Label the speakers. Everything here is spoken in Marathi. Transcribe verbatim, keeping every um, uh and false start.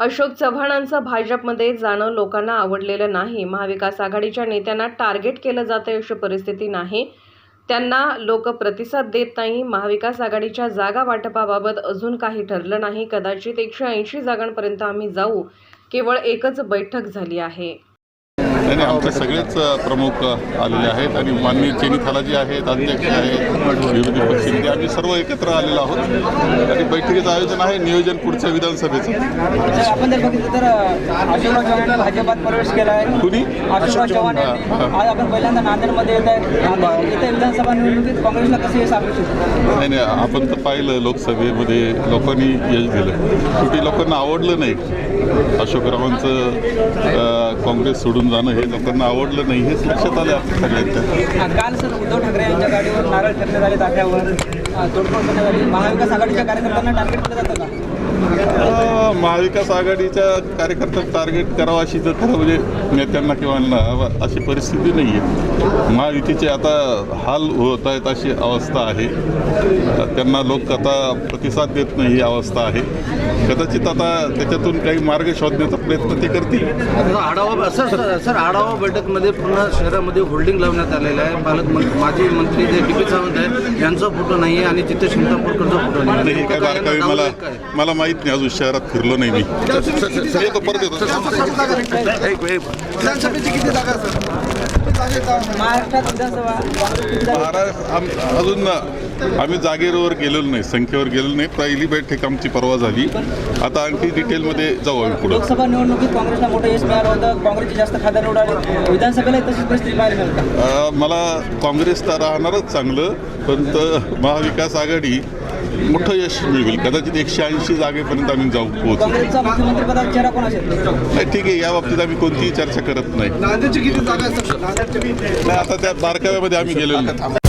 Speaker 1: अशोक चव्हाणांचं भाजपमध्ये जाणं लोकांना आवडलेलं नाही। महाविकास आघाडीच्या नेत्यांना टार्गेट केलं जातं अशी परिस्थिती नाही। त्यांना लोक प्रतिसाद देत नाही। महाविकास आघाडीच्या जागा वाटपाबाबत अजून काही ठरलं नाही। कदाचित एकशे ऐंशी जागांपर्यंत आम्ही जाऊ। केवळ एकच बैठक झाली आहे।
Speaker 2: नाही, आमचे सगळेच प्रमुख आलेले आहेत आणि माननीय चेनी थालाजी आहेत, अध्यक्ष आहेत, विरोधी पक्षनेते, आम्ही सर्व एकत्र आलेलो आहोत आणि बैठकीचं आयोजन आहे, नियोजन पुढच्या विधानसभेचं।
Speaker 3: आपण जर बघितलं तर अशोकराव चव्हाणांनी भाजपात प्रवेश केला आहे।
Speaker 2: कुणी?
Speaker 3: अशोकराव चव्हाण आज आपण पहिल्यांदा नांदेडमध्ये येत आहे। इथे विधानसभा निवडणुकीत काँग्रेसला कसं यश अपेक्षित?
Speaker 2: नाही नाही आपण तर पाहिलं लोकसभेमध्ये लोकांनी यश दिलं, कुठे लोकांना आवडलं नाही। अशोकरावांचं काँग्रेस सोडून जाणं हे लोकांना आवडलं नाही, हेच लक्षात आलं आपल्या सगळ्यांच्या।
Speaker 3: काल सर उद्धव ठाकरे यांच्या गाडीवर नारळ ठेवण्यात आले, ताफ्यावर तोडफोड करण्यात आली। महाविकास आघाडीच्या कार्यकर्त्यांना टार्गेट केलं जातं का?
Speaker 2: महाविकास आघाडीच्या कार्यकर्त्यांना टार्गेट करावं अशी तर खरं म्हणजे नेत्यांना किंवा अशी परिस्थिती नाही आहे। महायुतीचे आता हाल होत आहेत अशी अवस्था आहे, त्यांना लोक आता प्रतिसाद देत नाही ही अवस्था आहे। कदाचित आता त्याच्यातून काही मार्ग शोधण्याचा प्रयत्न ते करतील।
Speaker 4: आढावा सर सर आढावा बैठकमध्ये पुन्हा शहरामध्ये होल्डिंग लावण्यात आलेलं आहे। पालकमंत्री माजी मंत्री जे डी पी सावंत आहेत यांचा फोटो नाही आहे आणि तिथे शिंतापूरकरचा फोटो नाही।
Speaker 2: हे काय बारकावी मला मला माहीत नाही, अजून शहरात फिरलो नाही मी। येतो परत येतो।
Speaker 4: विधानसभेची किती जागा
Speaker 3: महाराष्ट्रात विधानसभा
Speaker 2: महाराष्ट्र अजून आम्ही जागेवर गेलेलो नाही, संख्येवर गेलेलो नाही। पहिली बैठक आमची परवा झाली, आता आणखी डिटेलमध्ये जाऊ आम्ही पुढे।
Speaker 3: लोकसभा निवडणुकीत काँग्रेसला मोठं यश मिळालं होतं, काँग्रेसचे जास्त खासदार निवडाले। विधानसभेला तशीच परिस्थिती पाहायला मिळते।
Speaker 2: मला काँग्रेस तर राहणारच चांगलं, पण महाविकास आघाडी मोठं यश मिळवेल। कदाचित एकशे ऐंशी जागेपर्यंत आम्ही जाऊ पोहोचू।
Speaker 3: काँग्रेसचा मुख्यमंत्रीपदाचा चेहरा कोण असेल?
Speaker 2: नाही ठीक आहे, या बाबतीत आम्ही कोणतीही चर्चा करत नाही।
Speaker 4: नांदेडची किती जागा
Speaker 2: नाही, आता त्या बारकाव्यामध्ये आम्ही गेलेलो नाही।